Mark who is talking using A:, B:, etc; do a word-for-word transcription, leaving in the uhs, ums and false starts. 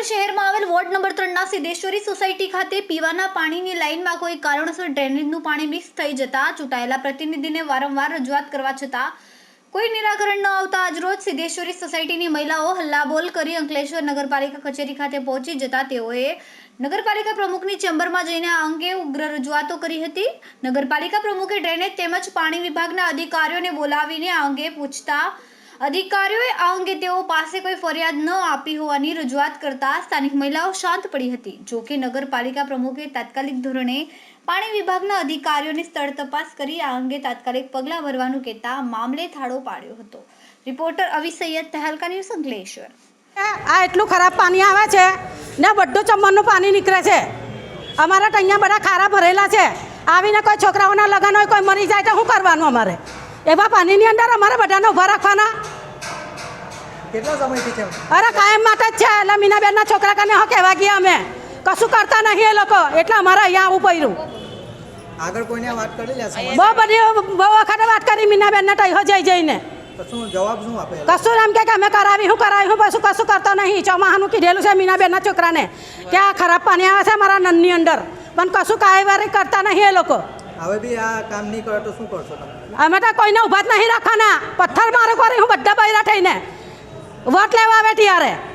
A: શહેરમાં આવેલ ward number ત્રણના સિદ્ધેશ્વરી સોસાયટી ખાતે પીવાના પાણીની લાઇનમાં કોઈ કારણોસર ડ્રેનેજનું પાણી મિક્સ થઈ જતા ચૂંટાયેલા પ્રતિનિધિને વારંવાર રજૂઆત કરવા છતાં કોઈ નિરાકરણ ન આવતા આજરોજ સિદ્ધેશ્વરી સોસાયટીની મહિલાઓ હલ્લાબોલ કરી અંકલેશ્વર નગરપાલિકા કચેરી ખાતે પહોંચી જતા તેઓએ નગરપાલિકા પ્રમુખની ચેમ્બરમાં જઈને આ અંગે ઉગ્ર રજૂઆતો કરી હતી। નગરપાલિકા પ્રમુખે ડ્રેનેજ તેમજ પાણી વિભાગના અધિકારીઓને બોલાવીને આ અંગે પૂછતા અધિકારીઓએ આ અંગે તેઓ પાસે કોઈ ફરિયાદ ન આપી હોવાની રજૂઆત કરતા સ્થાનિક મહિલાઓ શાંત પડી હતી। જો કે નગરપાલિકા પ્રમુખે તાત્કાલિક ધોરણે પાણી વિભાગના અધિકારીઓની સ્થળ તપાસ કરી આ અંગે તાત્કાલિક પગલાં ભરવાનું કહેતા મામલે થાળો પાડ્યો હતો। Reporter Avi Saiyed, Tehelka news, Ankleshwar.
B: આ એટલું ખરાબ પાણી આવે છે ને બધું ચમનનું પાણી નીકળે છે। અમારા અહીંયા બધા ખારા ભરેલા છે। આવીને કોઈ છોકરાઓના લગ્ન હોય, કોઈ મરી જાય તો શું કરવાનું? અમારે એવા પાણીની અંદર અમારે બધાને ઊભા રાખવાના?
C: કેટલા સમયથી છે?
B: અરે કાયમ માટે જ છે। એટલે મીનાબેનના છોકરા કને હો કહેવા ગયા અમે, કશું કરતા નહીં એ લોકો, એટલે અમારે અહીંયા આવવું પડ્યું।
C: આગળ કોઈને વાત કરી લે?
B: બહુ બધી બહુ વખત વાત કરી મીનાબેનને, તો જઈ જઈને
C: શું જવાબ શું આપે?
B: કશું એમ કે અમે કરાવી હું કરાવી હું પછી કશું કરતો નહીં। ચોમાહાનું કીધેલું છે મીનાબેનના છોકરાને કે આ ખરાબ પાણી આવે છે મારા નનની અંદર, પણ કશું કાયવારી કરતા નહીં એ લોકો।
C: હવે બી આ કામ નહીં કરે તો શું કરશો તમે?
B: અમે તો કોઈને ઊભા જ નહીં રાખવાના। પથ્થર મારો કરી હું બધા બૈરા થઈને વોટ લેવા આવે ત્યારે।